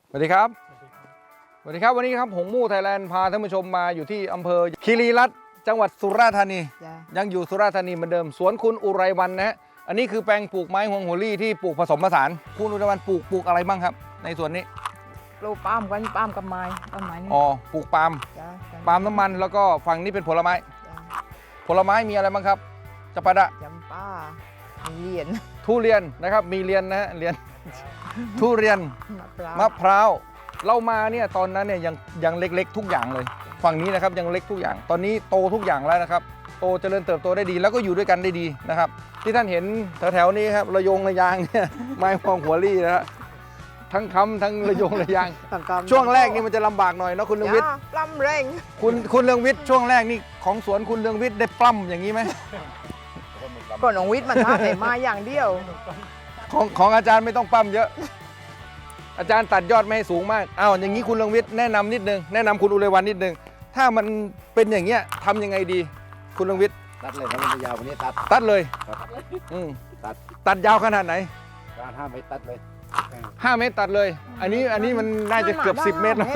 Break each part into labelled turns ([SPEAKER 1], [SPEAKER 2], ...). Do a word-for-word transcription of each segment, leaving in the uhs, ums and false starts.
[SPEAKER 1] สวัสดีครับสวัสดีครับวันนี้ครับหงมู่ไทยแลนด์พาท่านผู้ชมมาอยู่ที่อำเภอคีรีรัตน์จังหวัดสุราษฎร์ธานียังอยู่สุราษฎร์ธานีเหมือนเดิมสวนคุณอุไรวรรณนะฮะอันนี้คือแปลงปลูกไม้ฮวงหัวลี่ที่ปลูกผสมผสานคุณอุไรวรรณปลูกปลูกอะไรบ้างครับในสวนนี้
[SPEAKER 2] ปลูกปาล์มกันปาล์มกับไม้ต้นไม้นี่
[SPEAKER 1] อ๋อปลูกปาล์ม
[SPEAKER 2] จ้ะ
[SPEAKER 1] ปาล์มน้ำมันแล้วก็ฝั่งนี้เป็นผลไม้
[SPEAKER 2] จ้ะ
[SPEAKER 1] ผลไม้มีอะไรบ้างครับจะปาดะ
[SPEAKER 2] จำป้ามีเหรียญ
[SPEAKER 1] ทุเรียนนะครับมีเรียนนะฮะเรียน ทุเรียน
[SPEAKER 2] มะพร้าว
[SPEAKER 1] มะพร้าวเรามาเนี่ยตอนนั้นเนี่ยยังยังเล็กๆทุกอย่างเลยฝั่งนี้นะครับยังเล็กทุกอย่างตอนนี้โตทุกอย่างแล้วนะครับโตเจริญเติบโตได้ดีแล้วก็อยู่ด้วยกันได้ดีนะครับที่ท่านเห็นแถวๆนี้ครับระยงระยางเนี่ยไม้พองหัวลี่นะฮะทั้งค้ำทั้งระยงระยางช่วงแรกนี่มันจะลำบากหน่อยเนาะคุณเรืองวิทย์
[SPEAKER 2] ปล้ำเร่ง
[SPEAKER 1] คุณคุณเรืองวิทย์ช่วงแรกนี่ของสวนคุณเรืองวิทย์ได้ปล้ำอย่างนี้ไหม
[SPEAKER 2] ก่อนของวิทย์มันท่าแต่มาอย่างเดียว
[SPEAKER 1] ของของอาจารย์ไม่ต้องปั้มเยอะ อาจารย์ตัดยอดไม่ให้สูงมากอ้าวอย่างนี้คุณเรืองวิทย์แนะนำนิดนึงแนะนำคุณอุไรวรรณนิดนึงถ้ามันเป็นอย่างเงี้ยทำยังไงดีคุณเรืองวิทย์
[SPEAKER 3] ตัดเลยถ้ามันยาวกวันนี้ตัด
[SPEAKER 1] ตัดเลย
[SPEAKER 3] ครับ
[SPEAKER 1] อืม
[SPEAKER 3] ตัด
[SPEAKER 1] ตัดยาวขนาดไหน
[SPEAKER 3] การห้ามไม่ตัดเลย
[SPEAKER 1] ห้าเมตรตัดเลย อันนี้อันนี้มันน่าจะเกือบสิบเมตรแล้ว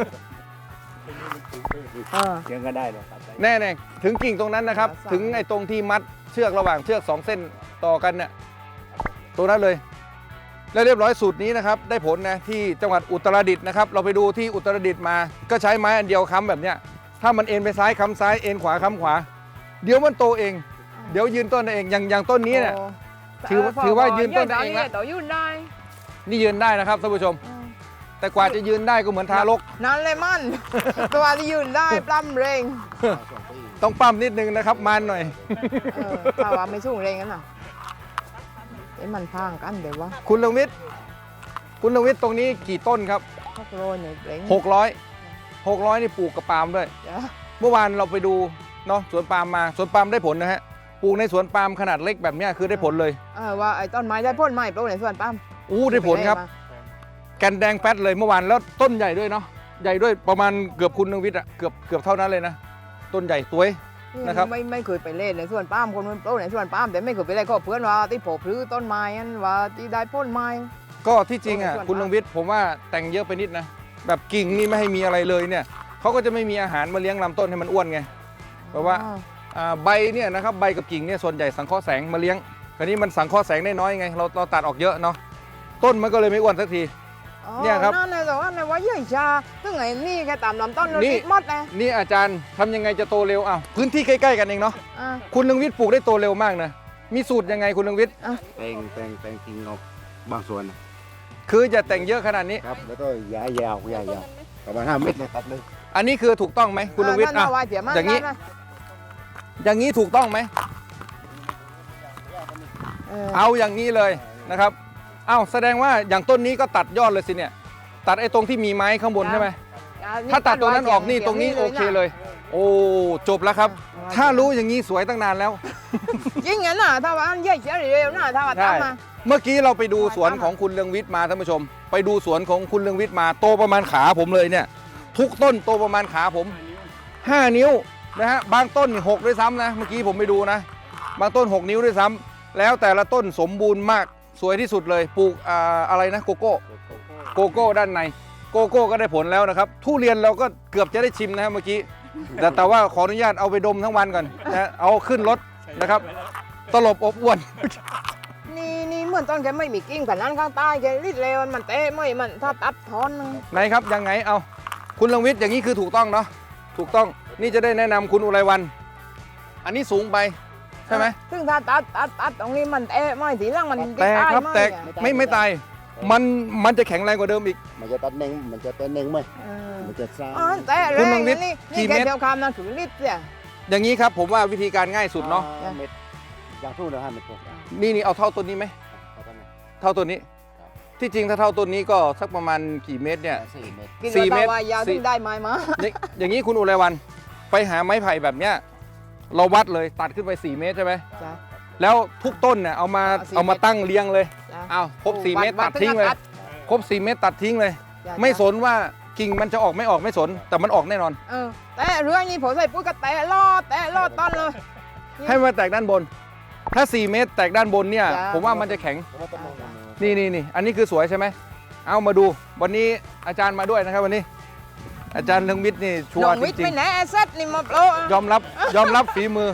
[SPEAKER 2] เออ
[SPEAKER 3] ยังก็ได้เลยตัดได้
[SPEAKER 1] แน่แน่ถึงกิ่งตรงนั้นนะครับ
[SPEAKER 2] สาม
[SPEAKER 1] ถึงไอ้ตรงที่มัดเชือกระหว่างเชือกสองเส้นต่อกันเนี่ยตรงนั้นเลย แล้วเรียบร้อยสูตรนี้นะครับได้ผลนะที่จังหวัดอุตรดิตถ์นะครับเราไปดูที่อุตรดิตถ์มาก็ใช้ไม้อันเดียวค้ำแบบเนี้ยถ้ามันเอ็นไปซ้ายค้ำซ้ายเอ็นขวาค้ำขวา เดี๋ยวมันโตเอง เดี๋ยวยืนต้นเองอย่างอย่างต้นนี้เนี่ย
[SPEAKER 2] โ
[SPEAKER 1] ถือว่าถือว่ายืนต้นเองละ
[SPEAKER 2] ต่อยืนได้
[SPEAKER 1] นี่ยืนได้นะครับท่านผู้ชม แต่กว่าจะยืนได้ก็เหมือนทารก
[SPEAKER 2] นั่นเลยมัน ตัวที่ยืนได้ปล้ำเร่ง
[SPEAKER 1] ต้องปั้มนิดนึงนะครับมันหน่อย
[SPEAKER 2] เออถ้าว่าไม่สู้เร่งกันน่ะไอ้มันพางกันเดี๋ยววะ
[SPEAKER 1] คุณเรืองวิทย์คุณเรืองวิทย์ตรงนี้กี่ต้นครับ
[SPEAKER 2] พวกโรยเนี่ยเร่ง
[SPEAKER 1] หกร้อย หกร้อยนี่ปลูกกับปาล์มด้วย
[SPEAKER 2] จ้ะ
[SPEAKER 1] เมื่อวานเราไปดูเนาะสวนปาล์มมาสวนปาล์มได้ผลนะฮะปลูกในสวนปาล์มขนาดเล็กแบบเนี้ยคือได้ผลเลย
[SPEAKER 2] เออว่าไอ้ต้นไม้ได้พ่นไม้ปลูกในสวนปาล์ม
[SPEAKER 1] อู้ได้ผลครับ แกนแดงแป๊ดเลยเมื่อวานแล้วต้นใหญ่ด้วยเนาะใหญ่ด้วยประมาณเกือบคุณเรืองวิทย์อะเกือบเกือบเท่านั้นเลยนะต้นใหญ่สวย นะครับ
[SPEAKER 2] ไม่ไม่เคยไปเล่นในสวนปาล์มคนมันปลูกในสวนปาล์มแต่ไม่เคยไปเล่นก็เพื่อนว่าที่โผล่พลื้ต้นไม้นั่นว่าที่ได้พ่นไม้
[SPEAKER 1] ก็ที่จริงอ่ะ
[SPEAKER 2] ส่วน
[SPEAKER 1] คุณเรืองวิทย์ผมว่าแต่งเยอะไปนิดนะแบบกิ่งนี่ไม่ให้มีอะไรเลยเนี่ยเขาก็จะไม่มีอาหารมาเลี้ยงลำต้นให้มันอ้วนไงเพราะว่า
[SPEAKER 2] อ๋อ
[SPEAKER 1] อ่าใบเนี่ยนะครับใบกับกิ่งเนี่ยส่วนใหญ่สังเคราะห์แสงมาเลี้ยงคราวนี้มันสังเคราะห์แสงได้น้อยไงเราเราตัดออกเยอะเนาะต้นมันก็เลยไม่อ้วนสักที
[SPEAKER 2] อ๋อ
[SPEAKER 1] เนี่ยครับ
[SPEAKER 2] นั่นเลยแต่ว่าในว่าเยื่อชาซึ่งไอ้นี่แค่ตามลำต้นเรา
[SPEAKER 1] นี่
[SPEAKER 2] ติดหมดนะ
[SPEAKER 1] นี่อาจารย์ทำยังไงจะโตเร็วอ้าวพื้นที่ใกล้ๆกันเองเนาะ
[SPEAKER 2] อ่ะ
[SPEAKER 1] คุณเรืองวิทย์ปลูกได้โตเร็วมากนะมีสูตรยังไงคุณเรืองวิทย์
[SPEAKER 3] แตงแตงแตงทิ้งออกบางส่วนนะ
[SPEAKER 1] คือจะแต่งเยอะขนาดนี้
[SPEAKER 3] ครับแล้วก็ย้ายยาวย้ายยาวประมาณห้าเมตรเลยตัดเลย
[SPEAKER 1] อันนี้คือถูกต้องไหมคุณเรืองวิทย์
[SPEAKER 2] นั่
[SPEAKER 1] อ่ะ
[SPEAKER 2] นน่ะว่าเสียมาก
[SPEAKER 1] อย่างนี้
[SPEAKER 2] นี้
[SPEAKER 1] อย่างนี้ถูกต้องไหม
[SPEAKER 2] เออ
[SPEAKER 1] เอาอย่างนี้เลยนะครับ เอ้าแสดงว่าอย่างต้นนี้ก็ตัดยอดเลยสิเนี่ย ตัดไอ้ตรงที่มีไม้ข้างบนใช่ไหม
[SPEAKER 2] อ่ะ
[SPEAKER 1] ถ้าตัดตัวนั้นออกนี่ตรงนี้โอเคเลย โอ้จบแล้วครับ ถ้ารู้อย่างนี้สวยตั้งนานแล้ว
[SPEAKER 2] ยิ่งงั้นน่ะถ้าว่าอันเยื่อเฉยเร็วน่ะถ้าว่า
[SPEAKER 1] ใช่
[SPEAKER 2] ตามมา
[SPEAKER 1] เมื่อกี้เราไปดูสวนของคุณเรืองวิทย์มาท่านผู้ชม ไปดูสวนของคุณเรืองวิทย์มาโตประมาณขาผมเลยเนี่ย ทุกต้นโตประมาณขาผมห้านิ้วนะฮะบางต้นหกด้วยซ้ำนะเมื่อกี้ผมไปดูนะ บางต้นหกนิ้วด้วยซ้ำแล้วแต่ละต้นสมบูรณ์มากสวยที่สุดเลยปลูกอ่าอะไรนะโกโก้ โกโก้ด้านในโกโก้ก็ได้ผลแล้วนะครับทุเรียนเราก็เกือบจะได้ชิมนะครับเมื่อกี้แต่แต่ว่าขออนุญาตเอาไปดมทั้งวันก่อนนะเอาขึ้นรถนะครับตลบอบอวน
[SPEAKER 2] นี่นี่เหมือนต้นแกไม่มีกิ่งแต่นั้นข้างใต้แกริดเร็วมันเตะไม่มันถ้าตัดทอนนึง
[SPEAKER 1] ไหนครับยังไงเอาคุณเรืองวิทย์อย่างนี้คือถูกต้องเนาะถูกต้องนี่จะได้แนะนำคุณอุไรวรรณอันนี้สูงไปใช่ไหม
[SPEAKER 2] ซึ่งถ้าตัดตัดตัดตรงนี้มันเตะไม่ทีหล่างมัน
[SPEAKER 1] แตกครับ
[SPEAKER 2] ไม่
[SPEAKER 1] แตก
[SPEAKER 2] อ่ะ
[SPEAKER 1] ไม่ไม่ตายมันมันจะแข็งแรงกว่าเดิมอีก
[SPEAKER 3] มันจะตัดเน่งมันจะเป็นเน่งไหม
[SPEAKER 2] เออ
[SPEAKER 3] มันจะซ่า
[SPEAKER 2] อ๋อเตะ
[SPEAKER 1] คุ
[SPEAKER 2] แร
[SPEAKER 1] ณลอง งนิด
[SPEAKER 2] นี่
[SPEAKER 1] กี่
[SPEAKER 2] นี่แก
[SPEAKER 1] เมตร
[SPEAKER 2] เดียวคำนั่นคือลิตรเนี่ย
[SPEAKER 1] อย่างนี้ครับผมว่าวิธีการง่ายสุดเนาะ
[SPEAKER 3] ห้เมตรอย่างทู่นะห้าเมตรพอ
[SPEAKER 1] นี่นี่เอาเท่าต้นนี้ไหม
[SPEAKER 3] เอาเท่านั้น
[SPEAKER 1] เท่าต้นนี้ ที่จริงถ้าเท่าต้นนี้ก็สักประมาณกี่เมตรเนี่ย
[SPEAKER 3] สี่เมตร
[SPEAKER 2] กิน
[SPEAKER 1] สี่
[SPEAKER 2] แล้ว
[SPEAKER 1] เมตร
[SPEAKER 2] แต่ว่ายาว
[SPEAKER 1] สี่
[SPEAKER 2] ถึงได้ไม้มา
[SPEAKER 1] อย่างอย่างนี้คุณอุไรวรรณไปหาไม้ไผ่แบบเนี้ยเราวัดเลยตัดขึ้นไปสี่เมตรใช่ไหม
[SPEAKER 2] จ้ะ
[SPEAKER 1] แล้วทุกต้นเนี่ยเอามา
[SPEAKER 2] เอาสี่
[SPEAKER 1] เอามาตั้งเรียงเลย
[SPEAKER 2] จ้ะ
[SPEAKER 1] เอาครบสี่
[SPEAKER 2] วั
[SPEAKER 1] เมตร
[SPEAKER 2] วั
[SPEAKER 1] ตัดทิ้งเลย
[SPEAKER 2] วัด
[SPEAKER 1] ครบสี่เมตรตัดทิ้งเลย
[SPEAKER 2] จ้ะ
[SPEAKER 1] ไม่สนว่ากิ่งมันจะออกไม่ออกไม่สน แต่มันออกแน่นอน
[SPEAKER 2] เออแต่เรื่องนี้ผมใส่ปุ๋ยก็แตะลอดแตะลอดต้นเลย
[SPEAKER 1] ให้มันแตกด้านบน ถ้าสี่เมตรแตกด้านบนเนี่ย
[SPEAKER 2] จ้ะ
[SPEAKER 1] ผมว่ามันจะแข็ง
[SPEAKER 3] เพราะว่าต้นไม้มัน
[SPEAKER 1] นี่นี่นี่อันนี้คือสวยใช่ไหมเอามาดูวันนี้อาจารย์มาด้วยนะครับวันนี้ อาจารย์เรืองวิทย์นี่ชัว
[SPEAKER 2] น้อ
[SPEAKER 1] ร์
[SPEAKER 2] ง
[SPEAKER 1] จ
[SPEAKER 2] วิทย์
[SPEAKER 1] ริง
[SPEAKER 2] ไม่แน่เซตนี่มาโปร
[SPEAKER 1] ๆยอมรับยอมรับฝีมือ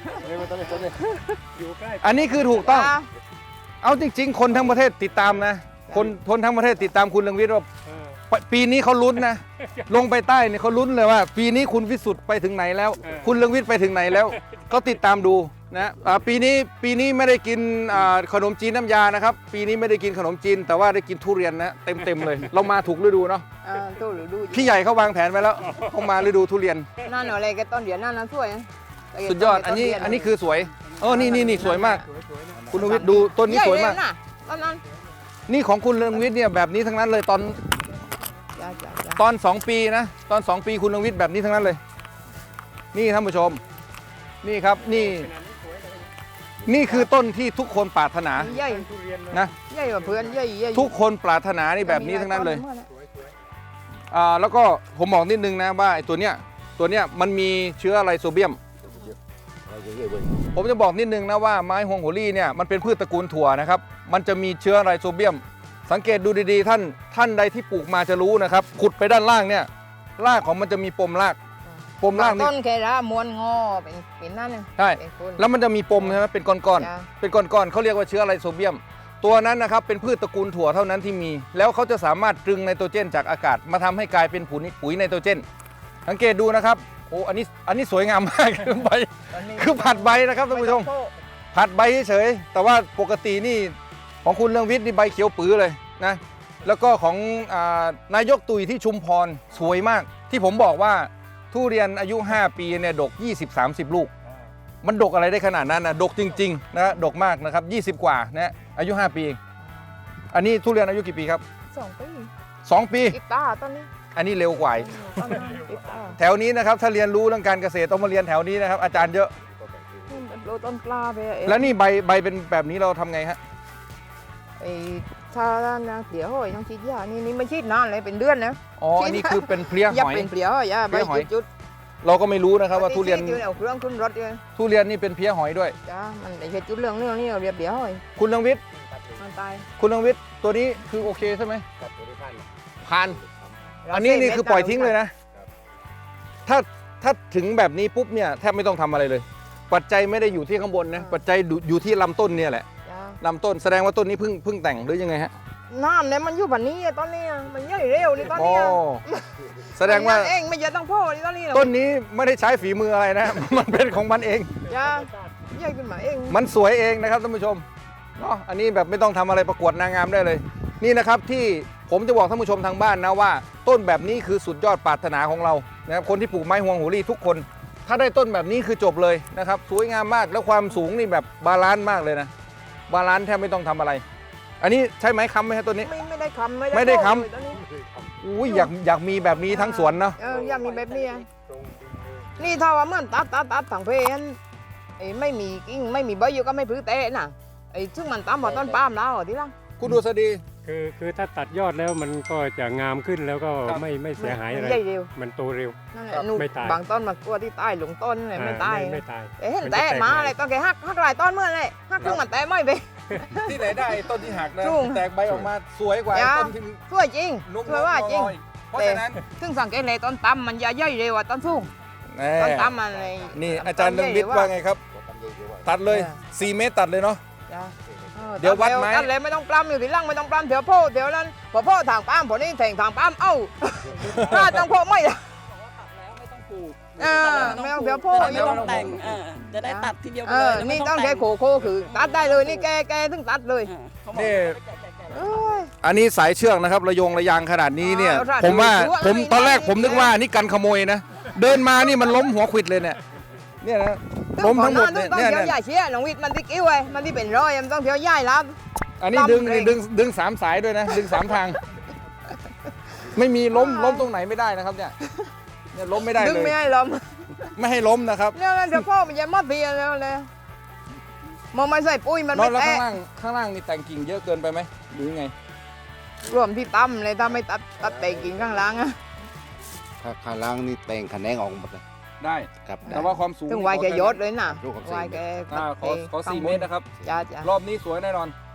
[SPEAKER 1] อันนี้คือถูกต้อง เอาจริง ๆ คนทั้งประเทศติดตามนะ คนคนทั้งประเทศติดตามคุณเรืองวิทย์ว่าปปีนี้เขาลุ้นนะ ลงไปใต้เนี่ยเขาลุ้นเลยว่า ปีนี้คุณวิสุทธ์ไปถึงไหนแล้ว คุณเรืองวิทย์ไปถึงไหนแล้ว ก็ติดตามดูนะอ่าปีนี้ปีนี้ไม่ได้กินอ่าขนมจีนน้ำยานะครับ ปีนี้ไม่ได้กินขนมจีน แต่ว่าได้กินทุเรียนนะเต็มเต็มๆเลย เรามาถูกฤดูเนาะ
[SPEAKER 2] เออตู้หรือดู
[SPEAKER 1] พี่ใหญ่เขาวางแผนไว้แล้วเขามาฤดูทุเรียน
[SPEAKER 2] นั่นอะไรกันต้นเดียวนั่นนะสวยนะ
[SPEAKER 1] สุดยอดอันนี้อันนี้คือสวยเออนี่นี่นี่สวยมาก คุณเรืองวิทย์ดูต้นนี้
[SPEAKER 2] ใหญ่
[SPEAKER 1] สวย
[SPEAKER 2] เลย
[SPEAKER 1] มาก
[SPEAKER 2] นะต้นนั้น
[SPEAKER 1] นี่ของคุณเรืองวิทย์เนี่ยแบบนี้ทั้งนั้นเลยตอน
[SPEAKER 2] จ้าจ้าจ้า
[SPEAKER 1] ตอนสองปีนะตอนสองปีคุณเรืองวิทย์แบบนี้ทั้งนั้นเลย นี่ท่านผู้ชม นี่ครับนี่ นี่คือต้นที่ทุกคนปรารถนา
[SPEAKER 2] ใหญ่
[SPEAKER 1] นะ
[SPEAKER 2] ใหญ่กว่าเพื่อนใหญ่ใหญ่
[SPEAKER 1] ทุกคนปรารถนานี่แบบนี้ทั้งนั้นเลยอ่าแล้วก็ผมบอกนิดนึงนะว่าไอ้ตัวเนี้ยตัวเนี้ยมันมีเชื้อไรโซเบียม ผมจะบอกนิดนึงนะว่าไม้ฮวงโหรี่เนี่ยมันเป็นพืชตระกูลถั่วนะครับมันจะมีเชื้อไรโซเบียม สังเกตดูดีๆท่านท่านใดที่ปลูกมาจะรู้นะครับขุดไปด้านล่างเนี่ยรากของมันจะมีปมรากปมรากนี่
[SPEAKER 2] ต้นแครามวนงอเป็นเป็นนั่นเลย
[SPEAKER 1] ใช่
[SPEAKER 2] เป็นคน
[SPEAKER 1] แล้วมันจะมีปมใช่ไหมเป็นก้อน
[SPEAKER 2] จ้ะ
[SPEAKER 1] ๆเป็นก้อนๆเขาเรียกว่าเชื้อไรโซเบียม ตัวนั้นนะครับเป็นพืชตระกูลถั่วเท่านั้นที่มี แล้วเขาจะสามารถตรึงไนโตรเจนจากอากาศมาทำให้กลายเป็นปุ๋ยปุ๋ยไนโตรเจนสังเกตดูนะครับโอ้อันนี้อันนี้สวยงามมาก ใบคือผัดใบนะครับท่านผู้ชม ผัดใบเฉยๆแต่ว่าปกตินี่ของคุณเรืองวิทย์นี่ใบเขียวปื้อเลยนะแล้วก็ของอานายกตุยที่ชุมพรสวยมาก ที่ผมบอกว่าทุเรียนอายุห้าปีเนี่ยดก ยี่สิบ สามสิบ ลูก มันดกอะไรได้ขนาดนั้นนะดกจริงๆนะดกมากนะครับยี่สิบกว่านะอายุห้าปีเองอันนี้ทุเรียนอายุกี่ปีครับ
[SPEAKER 2] สองปี
[SPEAKER 1] สองปี
[SPEAKER 2] กีตาร์ต้นนี้
[SPEAKER 1] อันนี้เร็วกว่าอีก
[SPEAKER 2] ต้นนั้นกีตาร์
[SPEAKER 1] แถวนี้นะครับถ้าเรียนรู้เรื่องการเกษตรต้องมาเรียนแถวนี้นะครับอาจารย์เยอะ
[SPEAKER 2] โรยต้นกล้าไปเอง
[SPEAKER 1] แล้วนี่ใบใบเป็นแบบนี้เราทำไงฮะ
[SPEAKER 2] ไอ้ถ้านะเปลี่ยวหอยต้องฉีดยานี่นี่ไม่ฉีดนานเลยเป็นเดือนแล้ว
[SPEAKER 1] อ๋ออันนี้คือเป็นเพลี้ย
[SPEAKER 2] อย่า
[SPEAKER 1] หอย
[SPEAKER 2] เป็นเปลี่ยวหอยยา
[SPEAKER 1] เปลี้
[SPEAKER 2] ใบ
[SPEAKER 1] ยหอย
[SPEAKER 2] จุด
[SPEAKER 1] เราก็ไม่รู้นะค
[SPEAKER 2] ๆ
[SPEAKER 1] รับว่าทุเรียน
[SPEAKER 2] ที่เอาเครื่องขึ้นรถเลย
[SPEAKER 1] ทุเรียนนี่เป็นเพี้ยหอยด้วย
[SPEAKER 2] จ้ามันไม่ใช่จุดเรื่องเรื่องนี่เราเรียบเปลี่ยวหอย
[SPEAKER 1] คุณเรืองวิทย์
[SPEAKER 2] มันตาย
[SPEAKER 1] คุณเรืองวิทย์ตัวนี้คือโอเคใช่ไหมผ่านอันนี้นี่คือปล่อยทิ้งเลยนะ ถ้าถ้าถึงแบบนี้ปุ๊บเนี่ยแทบไม่ต้องทำอะไรเลย ปัจจัยไม่ได้อยู่ที่ข้างบนนะปัจจัยอยู่ที่ลำต้นเนี่ยแหละ
[SPEAKER 2] จ้า
[SPEAKER 1] ลำต้นแสดงว่าต้นนี้เพิ่งเพิ่งแต่งหรือยังไงฮะ
[SPEAKER 2] น้ำเนี่ยมันอยู่แบบนี้อะตอนนี้อะมันย่อยเร็วนี่ตอน
[SPEAKER 1] อ๋อ
[SPEAKER 2] นี้อะ
[SPEAKER 1] แสดงว่า
[SPEAKER 2] มันเองไม่ใช่ต้องพ่อนี่ตอนนี้อะ
[SPEAKER 1] ต้นนี้ไม่ได้ใช้ฝีมืออะไรนะ มันเป็นของมันเอง
[SPEAKER 2] จ้าย่อยขึ้นมาเอง
[SPEAKER 1] มันสวยเองนะครับท่านผู้ชมเนาะอันนี้แบบไม่ต้องทำอะไรประกวดนางงามได้เลย นี่นะครับที่ผมจะบอกท่านผู้ชมทางบ้านนะว่า ต้นแบบนี้คือสุดยอดปรารถนาของเรานะครับคนที่ปลูกไม้ฮวงโหรี่ทุกคน ถ้าได้ต้นแบบนี้คือจบเลยนะครับสวยงามมากแล้วความสูงนี่แบบบาลานซ์มากเลยนะบาลานซ์แทบไม่ต้องทำอะไร อันนี้ใช่ไหมค้ำไหมครับต้นนี้
[SPEAKER 2] ไม่ไม่ได้คำ
[SPEAKER 1] ไม่ได้ค้ำ
[SPEAKER 2] โเลยตอนนี้
[SPEAKER 1] อุ้ยอยากอยากมีแบบนี้ทั้งสวนเนาะ
[SPEAKER 2] เอออยากมีแบบนี้อะนี่ถ้าว่ามันตัดตัดตัดถังเพนไอ้ไม่มีกิ่งไม่มีใบอยู่ก็ไม่พลื้เตะน่ะไอ้ซึ่งมันตามมาต้นปาล์มแล้วอะที่ล่ะ
[SPEAKER 1] คุณดูสดี
[SPEAKER 4] คือคือถ้าตัดยอดแล้วมันก็จะงามขึ้นแล้วก็
[SPEAKER 1] ครับ
[SPEAKER 4] ไม่ไม่เสียหายอะไร
[SPEAKER 2] ใหญ่เร็ว
[SPEAKER 4] มันโตเร็ว
[SPEAKER 2] นั่นแห
[SPEAKER 1] ครั
[SPEAKER 2] ละ
[SPEAKER 1] บ
[SPEAKER 2] นู่น
[SPEAKER 4] ไม่ตาย
[SPEAKER 2] บางต้นมันกลัวที่ใต้หลงต้นเลยไม่ตาย
[SPEAKER 4] อ่ไม่ตาย
[SPEAKER 2] เอ้เห็น
[SPEAKER 4] มันจะ
[SPEAKER 2] แตะ
[SPEAKER 4] แตก
[SPEAKER 2] มา
[SPEAKER 4] ใหม่
[SPEAKER 2] อะไรก็แกหักหักหลายต้นเมื่อเลยหักซึ่งมันแตะไม่ไป
[SPEAKER 1] ที่ไหนได้ต้นที่หักนะ
[SPEAKER 2] ถูก
[SPEAKER 1] แตกใบออกมาสวยกว่า
[SPEAKER 2] จ้า
[SPEAKER 1] ต้นที่
[SPEAKER 2] สวยจริง
[SPEAKER 1] นุ่ม
[SPEAKER 2] สวยว่าจริง
[SPEAKER 1] ๆเพราะฉะนั้น
[SPEAKER 2] ซึ่งสังเกตเลยต้นตั้มมันจะย่อยเร็วกว่าต้นสูง
[SPEAKER 1] แน่
[SPEAKER 2] ต้นตั้มมันเลย
[SPEAKER 1] นี่อาจารย์เรืองวิทย์ว่าไงครับ ตัดเลยสี่เมตรตัดเลยเนาะ
[SPEAKER 2] จ้ะออ
[SPEAKER 1] เดี๋ยววัดไหม
[SPEAKER 2] ตัดเลยไม่ต้องปล้ำอยู่ที่ล่างไม่ต้องปล้ำเดี๋ยวพ่อเดี๋ยวนั้นพอพ่อทางปล้ำพอนี่แทงทางปล้ำเอ้าถ้าต้องพ่อไม่อะ เออไม่ต้องเดี๋ยวพ่อ
[SPEAKER 5] ไม่ต้องแต่งเออจะได้ตัดทีเดียวไป
[SPEAKER 2] เอ
[SPEAKER 5] เล
[SPEAKER 2] อย นี่ต้องใช้โคโค่คือตัดได้เลยนี่แกแกถึงตัดเลย
[SPEAKER 1] นี่
[SPEAKER 2] เอ้ย
[SPEAKER 1] อันนี้สายเชือกนะครับระยงระยางขนาดนี้เนี่ย
[SPEAKER 2] เอาล่ะ
[SPEAKER 1] ผมว่า
[SPEAKER 2] ดูว่า
[SPEAKER 1] ผม
[SPEAKER 2] ไอ้
[SPEAKER 1] ตอนแรก
[SPEAKER 2] นี่
[SPEAKER 1] ผมนึกว่านี่กันขโมยนะ เดินมานี่มันล้มหัวขวิดเลยเนี่ยเนี่ยนะล้มทั้งหมดเนี่ย
[SPEAKER 2] ต้อง
[SPEAKER 1] เนี่ย
[SPEAKER 2] เที่ยว
[SPEAKER 1] เนี่ย
[SPEAKER 2] ใหญ่เชี่ยน้องวิทย์มันที่กิ้วไอ้มันที่เป็นร้อยมันต้องเที่ยวใหญ่รับ
[SPEAKER 1] อันนี้ดึง
[SPEAKER 2] ล้ำเลย
[SPEAKER 1] ดึงดึงสามสายด้วยนะ ดึงสามทาง ไม่มีล้มล้มตรงไหนไม่ได้นะครับเนี่ยเนี่ยล้มไม่ได้
[SPEAKER 2] ดึง
[SPEAKER 1] เลย
[SPEAKER 2] ไม่ให้ล้ม
[SPEAKER 1] ไม่ให้ล้มนะครับ
[SPEAKER 2] เนี่ยเดี๋ยวพ่อมันจะมาเพียแล้วเลยมันไม่ใส่ปุ้ยมัน
[SPEAKER 1] นอ
[SPEAKER 2] ไม่
[SPEAKER 1] นแล้วข้าง
[SPEAKER 2] แตะ
[SPEAKER 1] ล่างข้างล่างนี่แต่งกิ่งเยอะเกินไปไหมหรือยังไง
[SPEAKER 2] รวมที่ตั้มเลยถ้าไม่ตัดตัดแต่กิ่งข้างล่างอะ
[SPEAKER 3] ถ้าข้างล่างนี่แต่งคะแนนออกหมดเลย
[SPEAKER 1] ได้
[SPEAKER 3] ครับ
[SPEAKER 1] แต่ว่าความสูง
[SPEAKER 2] ถึงวายแกยศเลยน่ะ
[SPEAKER 3] ลูกกับ
[SPEAKER 2] วายแก
[SPEAKER 1] อ่าขอขอสี่เมตรนะครับ
[SPEAKER 2] จ้าจ้าร
[SPEAKER 1] อบนี้สวยแน่นอน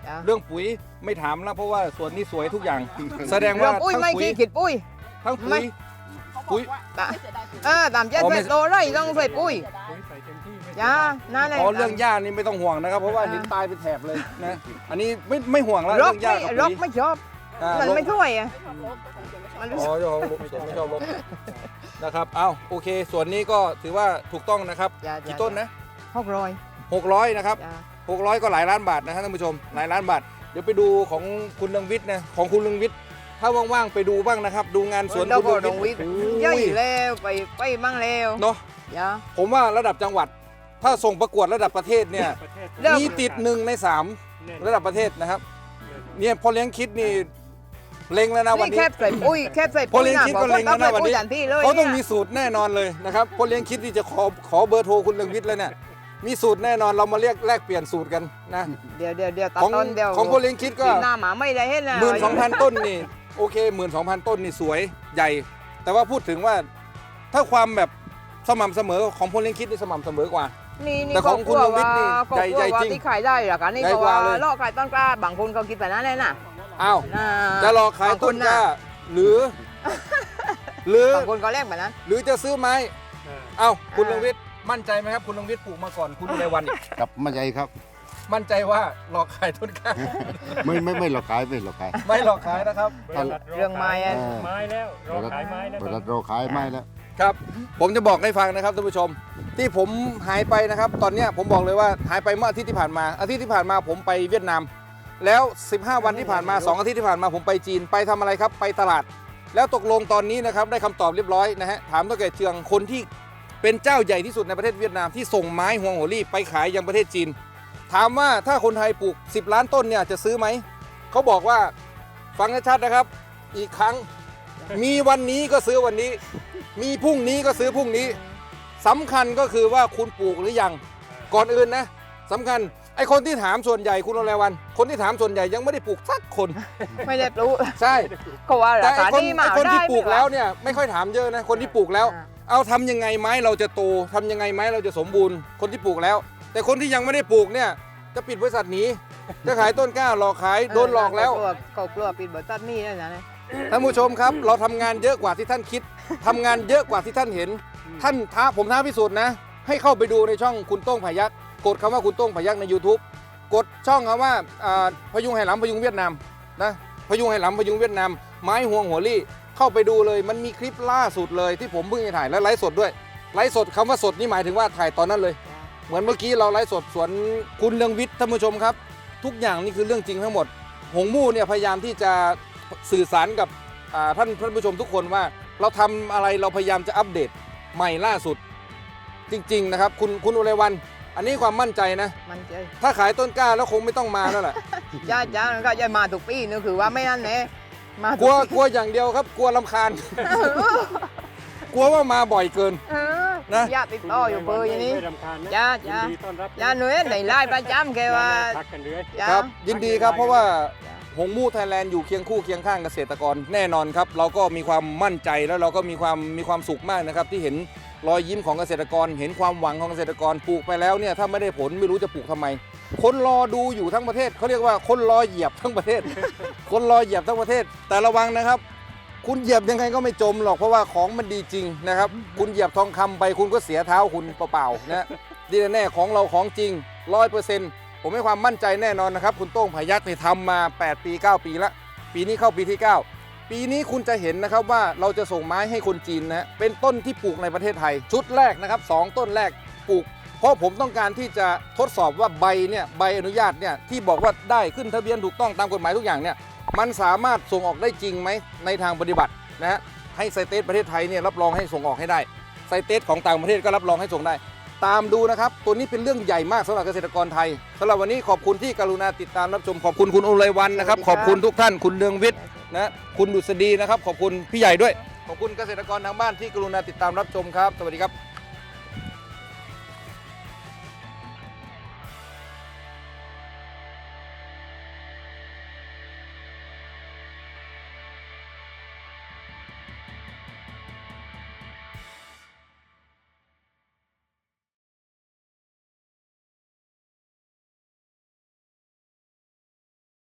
[SPEAKER 2] จ้ะ
[SPEAKER 1] เรื่องปุ๋ยไม่ถามแล้วเพราะว่าสวนนี้สวยทุกอย่าง แสดง
[SPEAKER 2] เรื่
[SPEAKER 1] ว่า
[SPEAKER 2] องปุ้ย
[SPEAKER 1] ทั้ง
[SPEAKER 2] ไม่
[SPEAKER 1] ปุ๋ย
[SPEAKER 2] ขี้ขิดปุ้ย
[SPEAKER 1] ทั้งปุ๋
[SPEAKER 2] ไม่
[SPEAKER 1] ยปุ๋ย
[SPEAKER 2] ตะเออตามเจ็ด
[SPEAKER 1] อ๋อไม่
[SPEAKER 2] เจ็ดโลไร่ต้องใส่ปุ้ย
[SPEAKER 4] ปุ๋ยใส่เต็มที่ไม่
[SPEAKER 2] จ้านั่นแหละ
[SPEAKER 1] อ๋อเรื่องหญ้านี่ไม่ต้องห่วงนะครับ เพราะว่าเห็นตายเป็นแถบเลยนะอันนี้ไม่ไม่ห่วงแล้ว
[SPEAKER 2] ร
[SPEAKER 1] เรื่
[SPEAKER 2] ก
[SPEAKER 1] องหญ้า
[SPEAKER 2] ไม่
[SPEAKER 1] กับ
[SPEAKER 2] ร
[SPEAKER 1] ปุ๋
[SPEAKER 2] ก
[SPEAKER 1] ย
[SPEAKER 2] ไม่ชอบ
[SPEAKER 1] อ่า
[SPEAKER 2] มัน
[SPEAKER 1] รก
[SPEAKER 2] ไม่ช่วยอ่ะมันรู้
[SPEAKER 1] อ๋
[SPEAKER 2] สึ
[SPEAKER 1] อก เจ้าของรกไม่ชอบรกนะครับเอ้าโอเคส่วนนี้ก็ถือว่าถูกต้องนะครับ
[SPEAKER 2] จ้ะ
[SPEAKER 1] กี่
[SPEAKER 2] จ้ะ
[SPEAKER 1] ต้นนะ
[SPEAKER 2] หกร้อย
[SPEAKER 1] หกร้อยนะครับ
[SPEAKER 2] จ้า
[SPEAKER 1] หกร้อยก็หลายล้านบาทนะครับท่านผู้ชมหลายล้านบาทเดี๋ยวไปดูของคุณเรืองวิทย์นะของคุณเรืองวิทย์ถ้าว่างๆไปดูบ้างนะครับ ดูงานสวน
[SPEAKER 2] เรา
[SPEAKER 1] คุณ
[SPEAKER 2] ก็
[SPEAKER 1] เรื
[SPEAKER 2] ล
[SPEAKER 1] อง
[SPEAKER 2] ง
[SPEAKER 1] วิ
[SPEAKER 2] วิ
[SPEAKER 1] ท
[SPEAKER 2] ท
[SPEAKER 1] ย์
[SPEAKER 2] ย์ย่อยแล้วไปไปมั่งแล้ว
[SPEAKER 1] เนาะ
[SPEAKER 2] จ้า
[SPEAKER 1] ผมว่าระดับจังหวัด ถ้าส่งประกวดระดับประเทศเนี่ย
[SPEAKER 4] ประเทศ
[SPEAKER 2] เริ่ม
[SPEAKER 1] มีติดหนึ่งในสาม
[SPEAKER 4] แน่น
[SPEAKER 1] ระดับประเทศนะครับ เนี่ยพอเลี้ยงคิดนี่เล็งแล้วนะวัน
[SPEAKER 2] นี่
[SPEAKER 1] นี้
[SPEAKER 2] แคบใส่ปุ้ยแคบใส่
[SPEAKER 1] พอ
[SPEAKER 2] ปุ้ย
[SPEAKER 1] เลี้ยง
[SPEAKER 2] นะ
[SPEAKER 1] คิด
[SPEAKER 2] บอ
[SPEAKER 1] ก็
[SPEAKER 2] ก
[SPEAKER 1] เล็
[SPEAKER 2] ว่าง ต้อง
[SPEAKER 1] แล้วนะ
[SPEAKER 2] ใส่
[SPEAKER 1] วัน
[SPEAKER 2] ปุ้ย
[SPEAKER 1] นี้
[SPEAKER 2] ทันทีเลย
[SPEAKER 1] เขาต้อง
[SPEAKER 2] นี่
[SPEAKER 1] มี
[SPEAKER 2] ย
[SPEAKER 1] สูตรแน่นอนเลยนะครับพอเลี้ยงคิดที่จะขอขอเบอร์โทรคุณเรืองวิทย์แล้วเนี่ยมีสูตรแน่นอนเรามาเรียกแลกเปลี่ยนสูตรกันนะ
[SPEAKER 2] เดี๋ยวเดี๋ยวเดี๋ยวตัด
[SPEAKER 1] ของ
[SPEAKER 2] ต้นเดียว
[SPEAKER 1] ของพอเลี้ยงคิดก็
[SPEAKER 2] ปีหน้าหมาไม่ได้เห็นนะ
[SPEAKER 1] หมื่นสองพันต้นนี่โอเคหมื่นสองพันต้นนี่สวยใหญ่ แต่ว่าพูดถึงว่าถ้าความแบบสม่ำเสมอของพลเลี้ยงคิดนี่สม่ำเสมอกว่า
[SPEAKER 2] นี่นี่
[SPEAKER 1] แต่ของคุณ
[SPEAKER 2] ก็
[SPEAKER 1] ลงวิทย์นี่
[SPEAKER 2] ก็
[SPEAKER 1] ใหญ่
[SPEAKER 2] กลัว
[SPEAKER 1] ใหญ่
[SPEAKER 2] ว่า
[SPEAKER 1] จริง
[SPEAKER 2] ที่ขายได้หรอกอันนี่
[SPEAKER 1] ใหญ่
[SPEAKER 2] ก็
[SPEAKER 1] กว่า
[SPEAKER 2] ว่า
[SPEAKER 1] เลย
[SPEAKER 2] ลอกขายต้นกล้าบางคนเขาคิดแบบนั้นเลยนะ
[SPEAKER 1] อ้าว
[SPEAKER 2] อ่า
[SPEAKER 1] จะรอขายต้นกล้าหรือ หรือ
[SPEAKER 2] บางคนก็แลกแบบนั้น
[SPEAKER 1] หรือจะซื้อไม้
[SPEAKER 4] อ่า
[SPEAKER 1] เอ้าคุณ
[SPEAKER 2] อ่า
[SPEAKER 1] เรืองวิทย์มั่นใจไหมครับคุณเรืองวิทย์ปลูกมาก่อนคุณในวันอีก
[SPEAKER 3] กับมั่นใจครับ
[SPEAKER 1] มั่นใจว่ารอขายต้นกล้า
[SPEAKER 3] ไม่ไม่ไม่หลอกขายไม่หลอกขาย
[SPEAKER 1] ไม่หลอกขายนะครับ
[SPEAKER 4] บริษัท
[SPEAKER 2] เรื่องไม้อะ
[SPEAKER 4] ไม้แล้วรอขายไม้แล้ว
[SPEAKER 3] บริษัทเราขายไม่แล้ว
[SPEAKER 1] ครับ ผมจะบอกให้ฟังนะครับท่านผู้ชม ที่ผมหายไปนะครับ ตอนเนี้ยผมบอกเลยว่าหายไปเมื่ออาทิตย์ที่ผ่านมาอาทิตย์ที่ผ่านมาผมไปเวียดนาม แล้วสิบห้าวันที่ผ่านมาสองอาทิตย์ที่ผ่านมาผมไปจีนไปทำอะไรครับไปตลาด แล้วตกลงตอนนี้นะครับได้คำตอบเรียบร้อยนะฮะถามตัวแก่เชืองคนที่เป็นเจ้าใหญ่ที่สุดในประเทศเวียดนามที่ส่งไม้ฮวงโหรี่ไปขายยังประเทศจีน ถามว่าถ้าคนไทยปลูกสิบล้านต้นเนี่ยจะซื้อไหมเขาบอกว่าฟังให้ชัดนะครับ อีกครั้ง มีวันนี้ก็ซื้อวันนี้ มีพรุ่งนี้ก็ซื้อพรุ่งนี้สำคัญก็คือว่าคุณปลูกหรือยังก่อนอื่นนะสำคัญไอคนที่ถามส่วนใหญ่คุณโอเลวัน คนที่ถามส่วนใหญ่ยังไม่ได้ปลูกสักคน
[SPEAKER 2] ไม่ได้ปลูก
[SPEAKER 1] ใช่
[SPEAKER 2] ก็ว่า
[SPEAKER 1] แต่
[SPEAKER 2] รา
[SPEAKER 1] ไอ
[SPEAKER 2] คา
[SPEAKER 1] คน
[SPEAKER 2] นี่
[SPEAKER 1] ไอ
[SPEAKER 2] มา
[SPEAKER 1] คนที่
[SPEAKER 2] ได้
[SPEAKER 1] ปลูกแล้วเนี่ยไม่ค่อยถามเยอะนะคนที่ปลูกแล้ว
[SPEAKER 2] อ่า
[SPEAKER 1] เอาทำยังไงไม้เราจะโตทำยังไงไม้เราจะสมบูรณ์คนที่ปลูกแล้ว แต่คนที่ยังไม่ได้ปลูกเนี่ยจะปิดบริษัทหนีจะขายต้นกล้าหลอกขายโดนหลอกแล้ว
[SPEAKER 2] เขากลัวเขากลัวปิดบริษัทนี่แล้วนะ
[SPEAKER 1] ท่านผู้ชมครับ เราทำงานเยอะกว่าที่ท่านคิดทำงานเยอะกว่าที่ท่านเห็น ท่านท้าผมท้าพิสูจน์นะ ให้เข้าไปดูในช่องคุณโต้งพายักกดคำว่าคุณโต้งพายักใน YouTube กดช่องคำว่าอ่าพยุงไหหลำพยุงเวียดนามนะพยุงไหหลำพยุงเวียดนามไม้ห่วงหัวลี่เข้าไปดูเลยมันมีคลิปล่าสุดเลยที่ผมเพิ่งจะถ่ายและไลฟ์สดด้วยไลฟ์สดคำว่าสดนี่หมายถึงว่าถ่ายตอนนั้นเลย เหมือนเมื่อกี้เราไลฟ์สดสวนคุณเรืองวิทย์ท่านผู้ชมครับ ทุกอย่างนี่คือเรื่องจริงทั้งหมด หงมู่เนี่ยพยายามที่จะสื่อสารกับอ่าท่านท่านผู้ชมทุกคนว่า เราทำอะไรเราพยายามจะอัปเดตใหม่ล่าสุด จริงๆนะครับคุณคุณอุไรวัน อันนี้ความมั่นใจนะ
[SPEAKER 2] มันเจอ
[SPEAKER 1] ถ้าขายต้นกล้าแล้วคงไม่ต้องมาแล้วแหละ
[SPEAKER 2] จ้าจ้ามันก็จะมาทุกปีนึกคือว่าไม่นั่นแน่มาทุ
[SPEAKER 1] กลัว
[SPEAKER 2] ปี
[SPEAKER 1] กลัวอย่างเดียวครับ กลัวลำคาญ กลัวว่ามาบ่อยเกิน
[SPEAKER 2] เออ
[SPEAKER 1] นะ
[SPEAKER 2] ญาติติดต่ออยู่เบอร์อย่างนี้
[SPEAKER 4] ไม่รำคาญนะ
[SPEAKER 2] จ้า
[SPEAKER 4] ยิน
[SPEAKER 2] จ้า
[SPEAKER 4] ดีต้อนรับ
[SPEAKER 2] จ้าหน่วยในไลน์ประจำแกว่า
[SPEAKER 4] ทักกันเลย
[SPEAKER 2] จ้า
[SPEAKER 1] ครับ ยินดีครับเพราะว่า
[SPEAKER 2] จ้า
[SPEAKER 1] หงมู่ไทยแลนด์อยู่เคียงคู่เคียงข้างเกษตรกรแน่นอนครับ เราก็มีความมั่นใจแล้วเราก็มีความมีความสุขมากนะครับที่เห็นรอยยิ้มของเกษตรกร เห็นความหวังของเกษตรกรปลูกไปแล้วเนี่ยถ้าไม่ได้ผลไม่รู้จะปลูกทำไม คนรอดูอยู่ทั้งประเทศเขาเรียกว่าคนรอเหยียบทั้งประเทศ คนรอเหยียบทั้งประเทศ แต่ระวังนะครับ คุณเหยียบยังไงก็ไม่จมหรอกเพราะว่าของมันดีจริงนะครับ คุณเหยียบทองคำไปคุณก็เสียเท้าคุณเปล่าๆนะดีแน่ๆของเราของจริงร้อยเปอร์เซ็นต์ผมให้ความมั่นใจแน่นอนนะครับคุณโต้งพายักเนี่ยทำมาแปดปีเก้าปีละปีนี้เข้าปีที่เก้าปีนี้คุณจะเห็นนะครับว่าเราจะส่งไม้ให้คนจีนนะเป็นต้นที่ปลูกในประเทศไทย ชุดแรกนะครับสองต้นแรกปลูก เพราะผมต้องการที่จะทดสอบว่าใบเนี่ยใบอนุญาตเนี่ยที่บอกว่าได้ขึ้นทะเบียนถูกต้องตามกฎหมายทุกอย่างเนี่ยมันสามารถส่งออกได้จริงไหมในทางปฏิบัตินะฮะให้ไซเตสประเทศไทยเนี่ยรับรองให้ส่งออกให้ได้ไซเตสของต่างประเทศก็รับรองให้ส่งได้ ตามดูนะครับตัวนี้เป็นเรื่องใหญ่มากสำหรับเกษตรกรไทยสำหรับวันนี้ขอบคุณที่กรุณาติดตามรับชมขอบคุณคุณอุไรวันนะครับขอบคุณทุกท่านคุณเรืองวิทย์นะคุณดุษฎีนะครับขอบคุณพี่ใหญ่ด้วยขอบคุณเกษตรกรทางบ้านที่กรุณาติดตามรับชมครับสวัสดีครับ